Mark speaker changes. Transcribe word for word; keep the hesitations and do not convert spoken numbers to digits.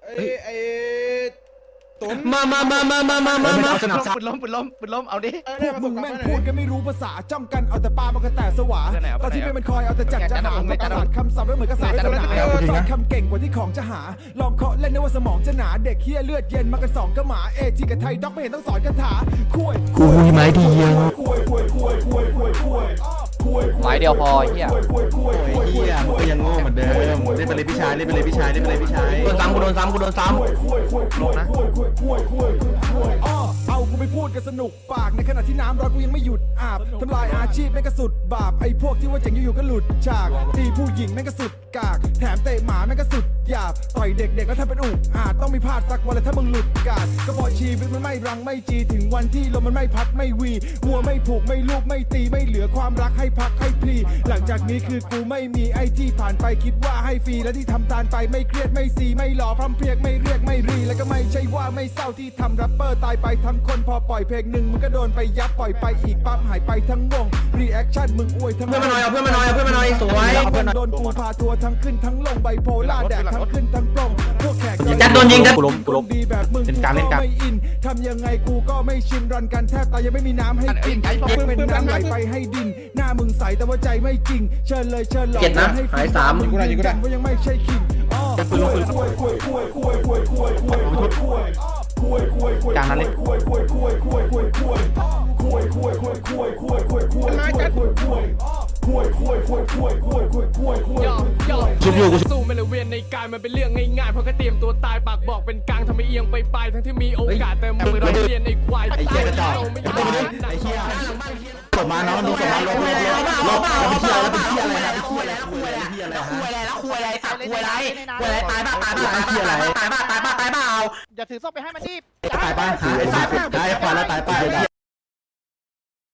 Speaker 1: ไอ้ไอ้ตุน
Speaker 2: มามามามามามามามา
Speaker 3: ปืนล้มปืนล้มปืนล้มเอาดิ
Speaker 4: พวกมึงแม่งพูดกันไม่รู้ภาษาจ้องกันเอาแต่ปลามันก็แต่สวาตอนที่ไม่เป็นคอยเอาแต่จัดจะหาประกาศคำศัพท์ไม่เหมือนกระสาศาสนาสอนคำเก่งกว่าที่ของจะหาลองเคาะเล่นนึกว่าสมองจะหนาเด็กเฮี้ยเลือดเย็นมากันสองก็หมาเอจีกับไทยด็อกไม่เห็นต้องสอนคาถาคุย
Speaker 2: กูมีไม้เดียว
Speaker 3: ไม้เดียวพอเฮีย
Speaker 5: เฮียมันก็ยังโง่เหมือนเดิมเล่นไปเลยพี่ชายเล่นไปเลยพี่ชายเล่นไปเลยพี่ชาย
Speaker 2: โดนซ้ำกูโดนซ้ำกูโดนซ้ำ
Speaker 3: ลงนะ
Speaker 4: เอากูไปพูดกันสนุกปากในขณะที่น้ำร้อนกูยังไม่หยุดอาบทำลายอาชีพแม่งก็สุดบาปไอ้พวกที่ว่าเจ๋งอยู่ๆก็หลุดฉากตีผู้หญิงแม่งก็สุดกากแถมเตะหมาแม่งก็สุดหยาบต่อยเด็กๆแล้วทำเป็นอุกอาจต้องมีพลาดสักวันเลยถ้ามึงหลุดกาดก็พอชีวิตมันไม่รังไม่จีถึงวันที่ลมมันไม่พัดไม่วีมัวไม่ผูกไม่ลูกไม่ตีไม่เหลือความรักให้พักให้พลีหลังจากนี้คือกูไม่มีไอ้ที่ผ่านไปคิดว่าให้ฟรีและที่ทำตานไปไม่เครียดไม่ซีไม่หล่อพร่ำเพรียกไม่เรียกไม่รีแล้วก็ไม่ใช่ว่าไม่เศร้าที่ทำแรปเปอร์ตายไปทั้งคนพอปล่อยเพลงหนึ่งมึงก็โดนไปยับปล่อยไปอีกปั๊บหายไปทั้งวงรีแอคชั่นมึงอวยทั้ง
Speaker 2: เพื่อนมาหน่อยเอาเพื่อนมาหน่อยเอาเพื่อนมาหน่อยสวย
Speaker 4: โดนกูพาทัวร์ทั้งขึ้นทั้งลงไบโพล่าแดกทั้งขึ้นทั้งปลงพวกแขก
Speaker 2: จัดโดนยิงจัด
Speaker 4: กูล้มกูล้มดีแบบมึงกูก็ไม่อินทำยังไงกูก็ไม่ชินรันกันแทบตายยังไม่มีน้ำให้กินเพื่อเป็นน้ำไหลไปให้ดินหน้ามึงใสแต่ว่าใจไม่จริงเชิญเลยเชิญหลอก
Speaker 2: เจ็ดนะหายสาม
Speaker 4: กูได้กูได้ว่ายังไม่ใช่คิงอ๋อ
Speaker 5: ปืนลงปืน
Speaker 3: จานนั้นเลย
Speaker 1: มาจัด
Speaker 2: ชุบอยู่กู
Speaker 6: สู้ไม่เลยเวียนในกายมันเป็นเรื่องง่ายๆเพราะแค่เตรียมตัวตายปากบอกเป็นกลางทำให้เอียงไปปลายทั้งที่มีโอกาสแต่มือเราเรียนไอ้ควาย
Speaker 5: ไอ้เหี้ยกระจอก
Speaker 6: ไม่
Speaker 5: ไอ้
Speaker 6: ได้
Speaker 5: เหี้ยไอ้เหี้ยกดมาน้องดูกดมาลบลบลบลบเป็นเหี้ยแล้วเป็นเหี้ยอะไรนะเป็นเหี้ยอะไรคุยอะไรเหี้ยอะไรฮะ
Speaker 2: คุยอะไรแล้วคุยอะไรสัตว์คุยอะไรคุยอะไรตายบ้าตายบ้าตายบ้าตายบ้าตายบ้าตายบ้า
Speaker 7: อย่าถือศพไปให้มันดิ
Speaker 5: ตายไปหาไอ้สัตว์ตายขวาแล้วตายไป